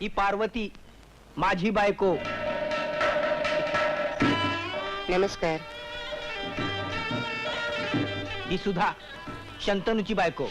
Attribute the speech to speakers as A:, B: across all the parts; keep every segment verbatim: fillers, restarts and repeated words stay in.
A: ही पार्वती माझी बायको.
B: नमस्कार.
A: ही सुधा शंतनूची बायको.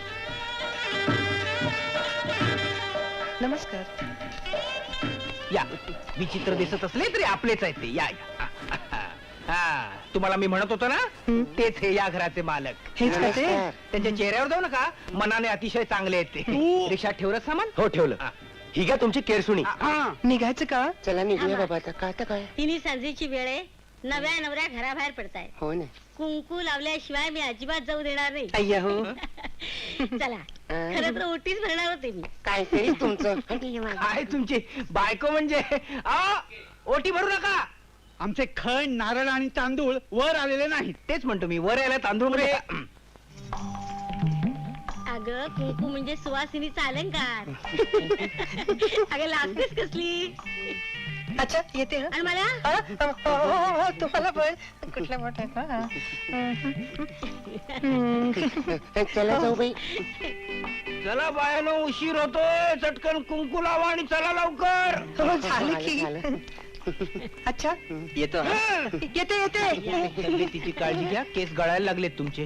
B: नमस्कार.
A: या विचित्र दिसत असले तरी आपलेच आहेत ते. या या. हा तुम्हाला मी म्हणत होतो ना तेच हे या घराचे मालक.
B: हेच का ते?
A: त्यांच्या चेहऱ्यावर जाऊ नका, मनाने अतिशय चांगले आहेत ते. रिक्षात ठेवलं सामान?
C: हो ठेवलं. ही का तुमची केरसुणी?
B: निघायचं का?
D: चला निघूया बाबा आता. का आता काय?
E: तिन्ही सांजेची वेळ आहे. नव्या नवऱ्या घराबाहेर पडताय.
D: हो ना.
E: कुंकू लावल्याशिवाय मी अजिबात जाऊ देणार नाही.
B: अय्या हो.
E: चला खरं तर ओटीच भरणार होते मी.
D: काय तरी तुमचं.
A: काय तुमची बायको म्हणजे? आ, ओटी भरू नका.
C: आमचे खण नारळ आणि तांदूळ वर आलेले नाहीत.
A: तेच म्हणतो मी, वर यायला तांदूळ म्हणजे
E: अगं कुंकू म्हणजे सुवासिनीचा अलंकार. अगं लागतेस कसली.
B: अच्छा येते हं?
E: आणि मला
B: हा? हो, हो, हो, हो, तुम्हाला पण कुठल्या मोठ्या का?
D: चला जाऊ बाई.
A: चला बायानो, उशीर होतोय. चटकन कुंकू लावा आणि चला लवकर.
B: हो, झालं की.
D: झालं.
B: अच्छा
A: येतो.
B: येते येते.
A: तब्येतीची काळजी घ्या, केस गळायला लागलेत तुमचे.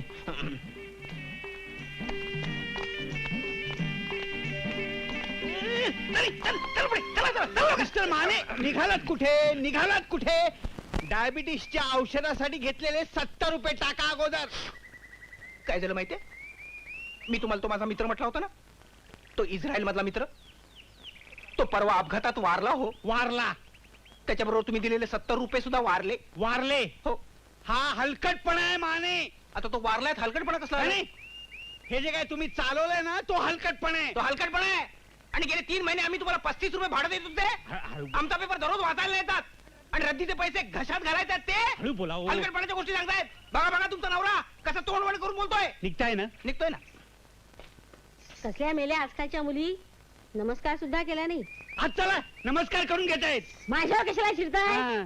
C: मिस्टर माने, निघालात कुठे? निघालात कुठे? डायबिटीसच्या औषधासाठी घेतलेले सत्तर रुपये टाका अगोदर.
A: काय झालं माहितीये? मी तुम्हाला तो माझा मित्र म्हटला होता ना, तो इस्रायल मधला मित्र. तो परवा अपघातात वारला हो.
C: वारला?
A: त्याच्याबरोबर तुम्ही दिलेले सत्तर रुपये सुद्धा वारले.
C: वारले?
A: हो.
C: हा हलकटपणा आहे माने.
A: आता तो वारलाय, हलकटपणा कसला आहे?
C: आणि हे जे काय तुम्ही चालवलंय ना, तो हलकटपणा आहे.
A: तो हलकटपणा आहे. आणि गेले तीन महिने आम्ही तुम्हाला पस्तीस रुपये भाडं देत होते.
C: हळू-
A: आमचा पेपर दररोज वाचायला येतात आणि रद्दीचे पैसे घशात घालायचे ते.
C: हळू बोला हो.
A: हलकटपणाच्या गोष्टी सांगतायत. बघा बघा तुमचा नवरा कसा तोंडवण करून बोलतोय.
C: निघताय ना?
A: निघतोय ना.
E: कसल्या मेल्या आजकालच्या मुली नमस्कार सुद्धा केला नाही.
C: आज चला नमस्कार करून घेतायत.
E: माझ्यावर कशाला शिरताय?
C: हा.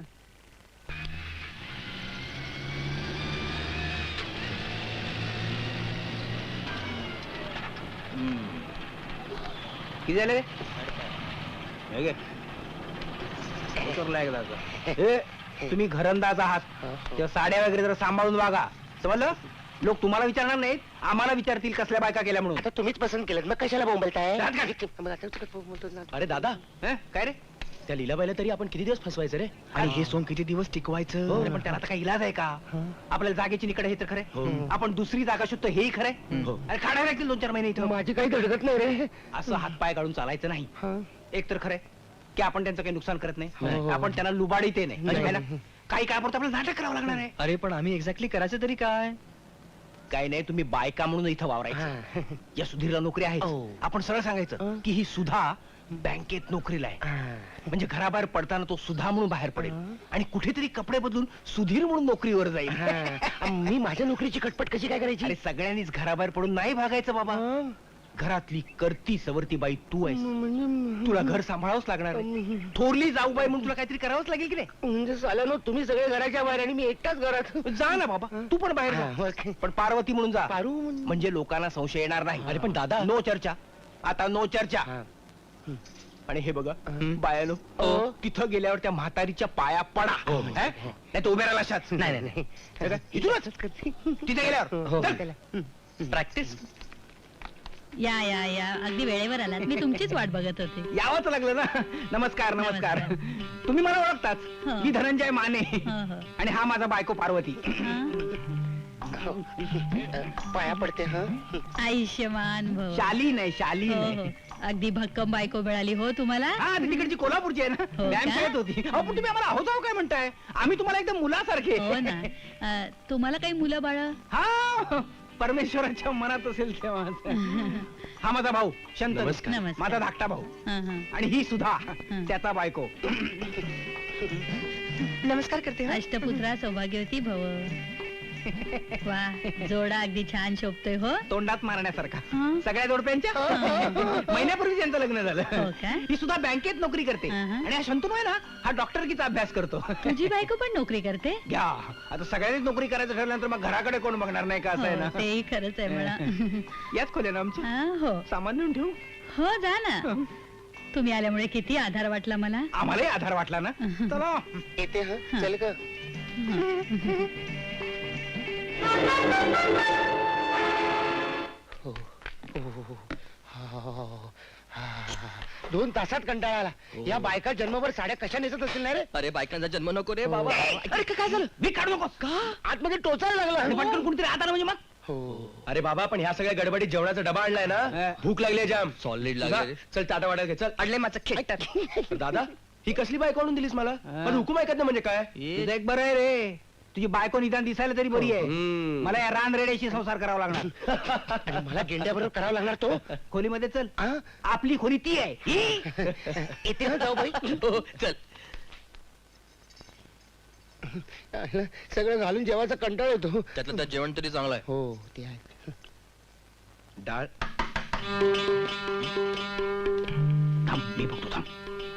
A: किती झाले रे? हे घे. उतरला एकदा आता. ए, तुम्ही घरंदाज आहात तेव्हा साड्या वगैरे जरा सांभाळून वागा, समजलं? लोक तुम्हाला विचारणार नाहीत, आम्हाला विचारतील कसल्या बायका केल्या म्हणून.
D: आता तुम्हीच पसंत केलं, मग कशाला बोंबलताय?
A: जात का?
D: मग आता तू काय बोलतो ना?
C: अरे दादा,
A: हं? काय रे?
C: त्या लीलाबाईला तरी आपण किती दिवस फसवायचं रे? आणि हे सोंग किती दिवस टिकवायचं?
A: अरे पण त्याला आता काही इलाज आहे का? आपल्याला जागेची निकड हे तर खरे. आपण दुसरी जागा शोधतो हेही खरे.
C: हो.
A: अरे काढायला लागतील दोन चार महिने इथं.
D: माझी काही धडकत नाही रे.
A: असं हातपाय काढून चालायचं नाही.
D: हा.
A: एक तर खरंय की आपण त्यांचं काही नुकसान करत
D: हो,
A: नाही,
D: हो.
A: आपण त्यांना लुबाडीत नाही.
D: नाही.
A: है ना? काही काळापुरतं आपल्याला नाटक करावं लागणार आहे.
C: अरे पण आम्ही एक्झॅक्टली करायचं तरी काय?
A: काही नाही, तुम्ही बायका म्हणून इथं वावरायचं.
D: हा.
A: या सुधीरला नोकरी आहे.
D: हो.
A: आपण सरळ सांगायचं
D: हं.
A: की ही सुधा बँकेत नोकरीला आहे.
D: हा.
A: म्हणजे घराबाहेर पडताना तो सुधा म्हणून बाहेर पडेल
D: हं.
A: आणि कुठेतरी कपडे बदलून सुधीर म्हणून नोकरीवर जाईल.
D: हा. मी माझ्या नोकरीची कटपट कशी काय करायची?
A: आणि सगळ्यांनीच घराबाहेर पडून नाही भागायचं बाबा.
D: हा.
A: घरातली करती सवरती बाई तू आहेस.
D: म्हणजे
A: तुला घर सांभाळावंच लागणार आहे. थोरली जाऊ बाई म्हणून तुला काहीतरी करावंच लागेल की नाही?
D: म्हणजे साला नो, तुम्ही सगळे घराच्या बाहेर आणि मी एकटाच घरात.
A: जा ना बाबा, तू पण बाहेर
D: हा,
A: जा.
D: मग.
A: पण पार्वती म्हणून जा,
D: पारू म्हण-
A: म्हणजे लोकांना संशय येणार नाही.
C: अरे पण दादा,
A: नो चर्चा, आता नो चर्चा.
D: हा.
A: आणि हे बघा
D: हं.
A: बायानो,
D: हो.
A: तिथं गेल्यावर त्या म्हातारीच्या पाया पडा.
D: हो.
A: हं? नाही तर उभे राहिला अशाच.
D: नाही नाही नाही.
A: हे काय? इथूनच तिथे गेल्यावर
D: हो.
A: चल. प्रॅक्टिस
F: या या या अगदी वेळेवर आलात. मी तुमचीच वाट बघत होते.
A: यावंच लागलं ना. नमस्कार नमस्कार. तुम्ही मला ओळखताच,
F: हो.
A: मी धनंजय माने
F: हो, हो.
A: आणि हा माझा बायको पार्वती.
F: हा?
D: पाया पडते. हा.
F: आयुष्यमान भव.
A: शाली नाही, शाली
F: हो,
A: नाही.
F: हो. अगदी भक्कम बायको मिळाली हो तुम्हाला.
A: हा ती तिकडची कोल्हापूरची आहे ना.
F: हो
A: व्यायाम
F: का?
A: शाळेत होती. अहो पण तुम्ही आम्हाला आहोत आहो काय म्हणताय? आम्ही तुम्हाला एकदम मुलासारखे.
F: हो ना. अ, तुम्हाला काही मुलं बाळ?
A: हा परमेश्वराच्या मनात असेल तेव्हा. हा माझा भाऊ शंतनू,
C: नमस्कार.
F: नमस्कार.
A: माझा धाकटा भाऊ.
F: हा, हा.
A: आणि ही सुद्धा त्याचा बायको.
B: नमस्कार करते हं?
F: अष्टपुत्रा सौभाग्यवती भव. वा, जोडा अगदी छान शोभतोय हो.
A: तोंडात मारण्यासारखा.
F: हा.
A: सगळ्या जोडप्यांच्या महिन्यापूर्वी त्यांचं लग्न
F: हो
A: झालं.
F: का?
A: ही सुद्धा बँकेत नोकरी करते.
F: हा, हा.
A: आणि हा शंतनू आहे ना, हा डॉक्टरकीचा अभ्यास करतो.
F: तुझी बायको पण नोकरी करते?
A: घ्या, आता सगळ्यांनीच नोकरी करायचं ठरल्यानंतर मग घराकडे कोण बघणार नाही का, असं आहे
F: हो,
A: ना.
F: तेही खरंच आहे म्हणा.
A: याच खोल्या ना आमच्या.
F: हा, हो
A: सामान नेऊन ठेवू.
F: हो जा ना. तुम्ही आल्यामुळे किती आधार वाटला मला.
A: आम्हालाही आधार वाटला ना. चला
D: येते हा चल ग. हो, हो, हो. हा, हा. दोन तासात कंटाळा आला. या बायका जन्मभर साड्या कशा नेसत असतील ना रे.
G: अरे बायकांचा जन्म नको रे बाबा.
A: अरे काय झालं मी काढू नकोस का
D: आतमध्ये टोचायला
A: आणि
D: लागला.
A: पटकन कुणीतरी आता म्हणजे मग
D: हो.
G: अरे बाबा पण ह्या सगळ्या गडबडीत जेवणाचा डबा आणलाय
A: हा.
G: ना. भूक लागली जाम.
A: सॉलिड
G: तुझा? चल टाटा वाटा घे चल.
A: अडले माझं खेट
G: दादा ही कसली बायको आणून दिलीस मला.
A: हा.
G: पण हुकूम ऐकत ना म्हणजे काय.
A: तुझं एक बरं आहे रे. तुझी बायको निदान दिसायला तरी बरी आहे.
G: हम्म.
A: मला या रान रेड्याशी संसार करावा लागणार.
D: आणि मला गेंड्याबरोबर करावा लागणार तो.
A: खोलीमध्ये चल
D: हा?
A: आपली खोली ती आहे ही.
D: येते हा जाऊ बाई.
G: हो, चल.
D: सगळं घालून जेवायचा कंटाळ येतो.
G: त्यातलं त्यात जेवण तरी चांगलं आहे.
D: हो ते आहे.
G: डाळ
A: थांब मी बघतो थांब.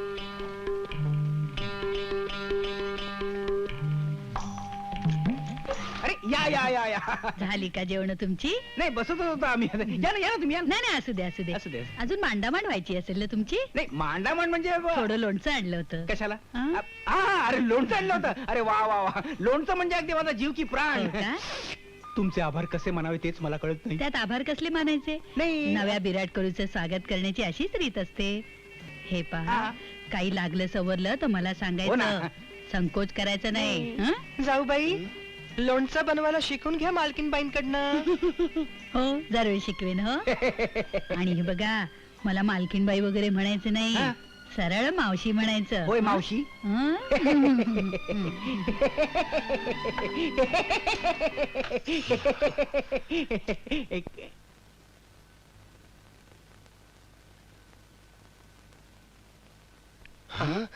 A: अरे या या या या
F: झाली का जेवण तुमची?
A: नाही बसतच होतो आम्ही. या ना या ना तुम्ही या ना.
F: नाही नाही असू दे असू दे
A: असू दे.
F: अजून मांडामांड व्हायची असेल ना तुमची.
A: नाही मांडामांड म्हणजे ब-
F: थोडं लोणचं आणलं होतं.
A: कशाला
F: हा?
A: आ- हा अरे लोणचं आणलं होतं. अरे वा वा वा लोणचं म्हणजे अगदी माझा जीव की प्राण.
F: हो का?
A: तुमचे आभार कसे मानावे तेच मला कळत नाही.
F: त्यात आभार कसले मानायचे.
A: नाही
F: नव्या विराट कोहलीचं स्वागत करण्याची अशीच रीत असते. हे पहा
A: हा.
F: काही लागलं सवरलं तर मला
A: हो
F: सांगायचं.
A: ना.
F: संकोच करायचा नाही. हं?
B: जाऊ बाई लोणचं बनवायला शिकून घ्या मालकीनबाईंकडनं.
F: हो जरूर शिकवेन हो. आणि हे बघा मला मालकीनबाई वगैरे म्हणायचं नाही.
A: हा.
F: सरळ मावशी म्हणायचं.
A: होय मावशी.
F: हं?
A: एक-
D: हा?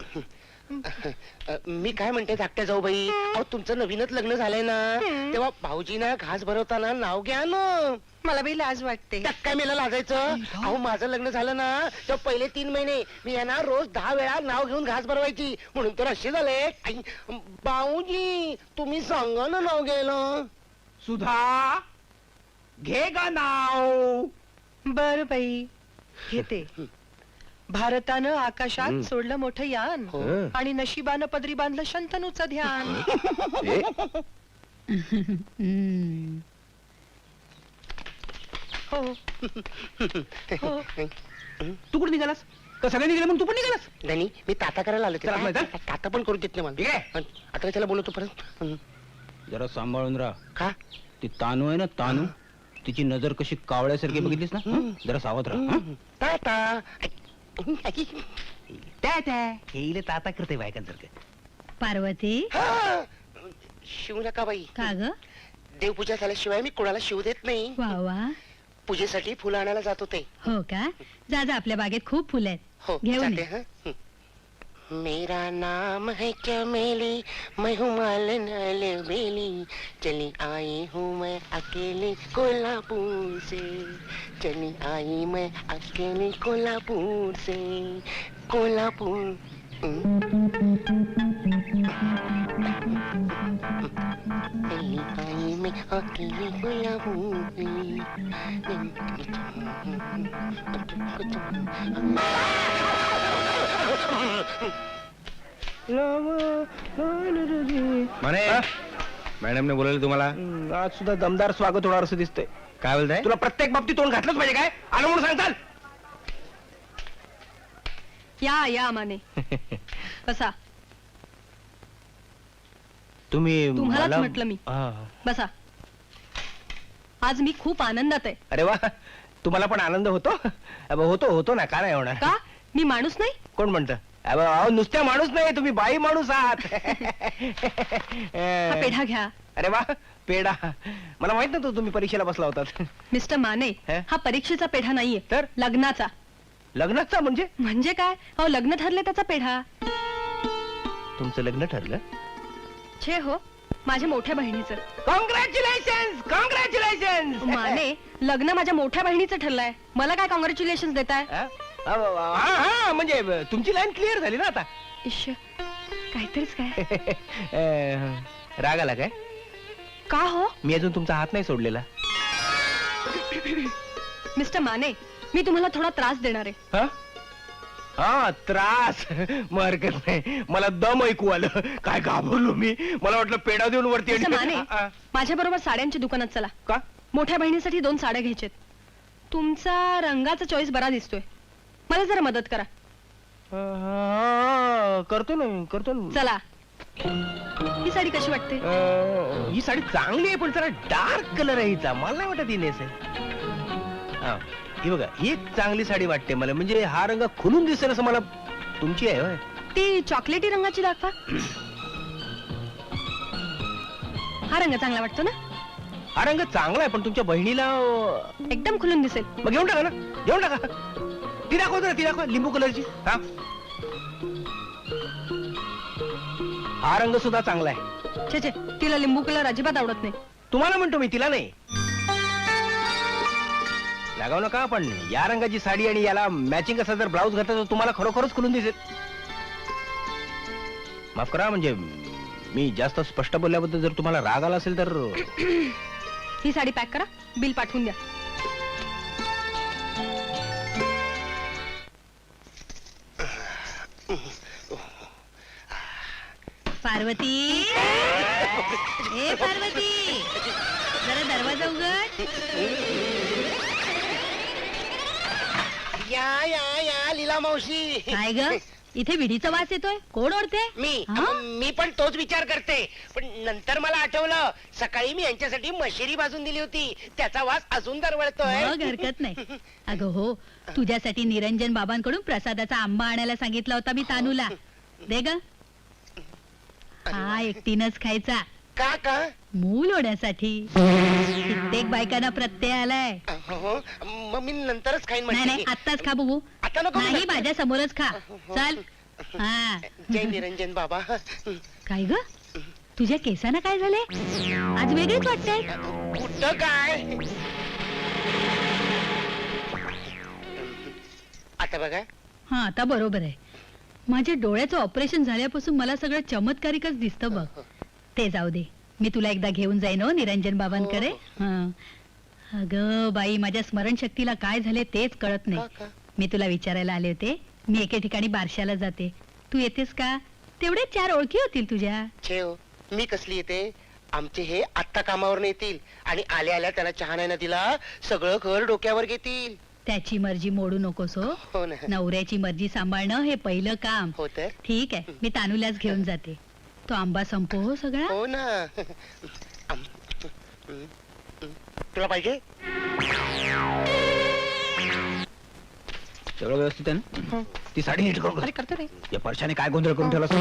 D: अ, मी काय म्हणते धाकट्या जाऊ बाई. अहो तुमचं नवीनच लग्न झालंय ना. तेव्हा भाऊजीना घास भरवताना नाव घ्या ना.
B: मला बाई लाज वाटते.
D: त्यात काय मला लाजायचं. अहो माझं लग्न झालं ना तेव्हा पहिले तीन महिने मी यांना रोज दहा वेळा नाव घेऊन घास भरवायची. म्हणून तर असे झाले. आई, भाऊजी तुम्ही सांगा ना नाव घ्यायला.
A: सुधा घे गा नाव.
B: बर बाई घेते. भारतानं आकाशात
G: हम्म.
B: सोडलं मोठं यान
D: हो.
B: आणि नशिबानं पदरी बांधलं शंतनूचं ध्यान.
F: हं.
B: हो हो
A: तू कुठे निघालास का सगळे निघाले मग तू पण निघालास.
D: धनी मी ताता करायला आलो.
A: चला, आपलं,
D: ते. ताता पण करू देत नाही
A: ठीक
D: मला.
A: आहे.
D: अन आता त्याला बोलवतो परत. हं.
A: जरा सांभाळून राहा.
D: का
A: ती तानू आहे ना तानू तिची नजर कशी कावळ्यासारखी बघितलीस ना हं? जरा सावध राहा हं?
D: ताता. आई.
A: त्या त्या हे इले ताता करते बायकांसारखं.
F: पार्वती
D: हा! शिवू नका बाई.
F: का ग?
D: देवपूजा झाल्याशिवाय मी कोणाला शिव देत नाही.
F: वा वा.
D: पूजेसाठी फुलं आणायला जात होते.
F: हो का? जा जा आपल्या बागेत खूप फुलं आहेत.
D: हो
F: घेऊन
D: जाते
F: ये.
D: हं. हं. मेरा नाम है चमेली मैं हूँ मालन बेली चली आई हूँ मैं अकेली कोल्हापुर से चली आई मैं अकेली कोल्हापुर से कोल्हापुर. हं. चली आई मैं अकेली कोल्हापुर
G: म्हणे मॅडमने बोलवलं तुम्हाला.
A: हं, आज सुद्धा दमदार स्वागत होणार असं दिसतंय.
G: काय बोलताय.
A: तुला प्रत्येक बाबतीत तोंड घातलंच पाहिजे काय आलं म्हणून सांगताल.
B: या या माने बसा.
A: तुम्ही
B: तुम्हालाच
A: मला-
B: म्हटलं मी.
A: हा.
B: बसा. आज मी खूप आनंदात आहे.
A: अरे वा तुम्हाला पण आनंद होतो. अबे, होतो होतो ना का नाही होणार.
B: का मी माणूस नाही.
A: कोण म्हणतं. अबे, अहो, नुसत्या माणूस नाही तुम्ही बाई माणूस आहात.
B: हा पेढा घ्या.
A: अरे वा पेढा मला माहित नव्हतं तुम्ही परीक्षेला बसला होतात.
B: मिस्टर माने
A: हे?
B: हा परीक्षेचा पेढा नाहीये
A: तर?
B: लग्नाचा.
A: लग्नाचा म्हणजे
B: म्हणजे काय अहो लग्न ठरले त्याचा पेढा.
A: तुमचं लग्न ठरलं.
B: छे हो माझ्या मोठ्या बहिणीचं.
A: Congratulation congratulation.
B: माने लग्न माझ्या मोठ्या बहिणीचं ठरलंय. मला काय कॉंग्रॅच्युलेशन देताय.
A: हा हा म्हणजे तुमची लाईन क्लिअर झाली ना आता.
B: इश्श काहीतरीच काय.
A: अं, राग आला काय.
B: का हो
A: मी अजून तुमचा हात नाही सोडलेला.
B: मिस्टर माने मी तुम्हाला थोडा त्रास देणार आहे.
A: हा हा त्रास मग हरकत नाही. मला दम ऐकू आलं. काय घाबरलो मी. मला वाटलं पेढा देऊन वरती
H: तसं माने,
A: आ,
H: माझ्या बरोबर साड्यांच्या दुकानात चला.
A: का
H: मोठ्या बहिणीसाठी दोन साड्या घ्यायच्यात. तुमचा रंगाचा चॉईस बरा दिसतोय. मला जरा मदत करा.
A: हा, करतो ना मी, करतो ना.
H: चला. ही साडी कशी वाटते?
A: अं, ही साडी चांगली आहे पण जरा डार्क कलर आहे हिचा. मला नाही वाटत ही नेस आहे. हा, ही बघा ही एक चांगली साडी वाटते मला. म्हणजे हा रंग खुलून दिसेल असं मला. तुमची आहे होय?
H: ती चॉकलेटी रंगाची दाखवा. हा रंग चांगला वाटतो ना?
A: हा रंग चांगला आहे पण तुमच्या बहिणीला अं,
H: एकदम खुलून दिसेल.
A: मग घेऊन टाका ना, घेऊन टाका. ती दाखवतो ना, ती दाखवा लिंबू कलरची. हा हा रंग सुद्धा चांगला आहे.
H: छे छे, तिला लिंबू कलर अजिबात आवडत नाही.
A: तुम्हाला म्हणतो मी, तिला नाही. लागाव नका पण या रंगाची साडी आणि याला मॅचिंग असा जर ब्लाऊज घातला तर तुम्हाला खरोखरच खुलून दिसेल. माफ करा म्हणजे मी जास्त स्पष्ट बोलल्याबद्दल जर तुम्हाला राग आला असेल तर.
H: ही साडी पॅक करा, बिल पाठवून द्या.
F: पार्वती ए पार्वती, जरा दरवाजा उघड.
D: या या या लीला मावशी.
F: काय ग, इथे विडीचा वास येतोय. कोण ओढते?
D: मी
F: हा?
D: मी पण तोच विचार करते. पण नंतर मला आठवलं सकाळी मी यांच्यासाठी मशिरी भाजून दिली होती. त्याचा वास अजून दरवळतोय.
F: मग हरकत नाही. अगं हो, तुझ्यासाठी निरंजन बाबांकडून प्रसादाचा आंबा आणायला सांगितला होता मी तानूला. दे ग. हा एकटीनच खायचा.
D: का का
F: मूल होण्यासाठी. कित्येक बायकांना प्रत्यय आलाय.
D: हो, मग मी नंतरच खाईन
F: नाही नाही,
D: मशिरी.
F: आत्ताच खा बघू.
D: आता नको.
F: नाही, माझ्या समोरच खा. चल. हा.
D: जय निरंजन बाबा.
F: काय ग, तुझ्या केसांना काय झाले? आज वेगळीच वाटते.
D: कुठं काय आता बघा.
F: हा आता बरोबर आहे. माझ्या डोळ्याचं ऑपरेशन झाल्यापासून मला सगळं चमत्कारिकच दिसतं बघ. ते जाऊ दे, मी तुला एकदा घेऊन जाईन हो निरंजन बाबांकडे. हा. अगं बाई, माझ्या स्मरणशक्तीला काय झाले तेच कळत
D: का,
F: नाही.
D: का?
F: मी तुला विचारायला आले होते. मी एके ठिकाणी बारशाला जाते, तू येतेस का? तेवढे चार ओळखी होतील तुझ्या.
D: ठेव, मी कसली येते. आमचे हे आत्ता कामावर येतील आणि आल्या आल्या त्याला चहा नाही ना दिला सगळं घर डोक्यावर घेतील.
F: त्याची मर्जी मोडू नकोस हो.
D: हो ना.
F: नवऱ्याची मर्जी सांभाळणं हे पहिलं काम.
D: हो तर.
F: ठीक आहे, मी तानूलाच घेऊन जाते. तो आंबा संपो हो सगळा.
D: हो ना. आम- तुला पाहिजे.
A: सगळं व्यवस्थित आहे ना? ती साडी नीट करून
H: अरे करतो रे.
A: या परशाने काय गोंधळ करून ठेवला.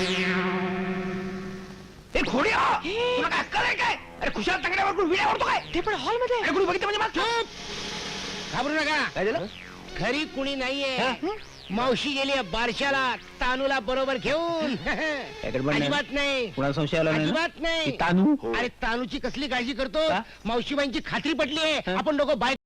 A: ए खोडी हा! तुला काय अक्कल आहे काय? अरे खुशाल तंगड्यावर कोण विड्या ओढतो काय?
H: ते पण हॉल मध्ये.
A: अरे कोणी बघितलं म्हणजे मागचं?
C: घाबरू नका.
A: काय झालं?
C: घरी कुणी नाहीये.
A: हा?
C: मावशी गेली बारशाला तानूला बरोबर घेऊन.
A: याकडे बघ ना.
C: अजिबात नाही.
A: कुणाला संशय आला नाही ना?
C: अजिबात नाही.
A: ती तानू
C: अरे तानूची कसली काळजी करतो.
A: का?
C: मावशीबाईंची खात्री पटली आहे. आपण दोघं बाय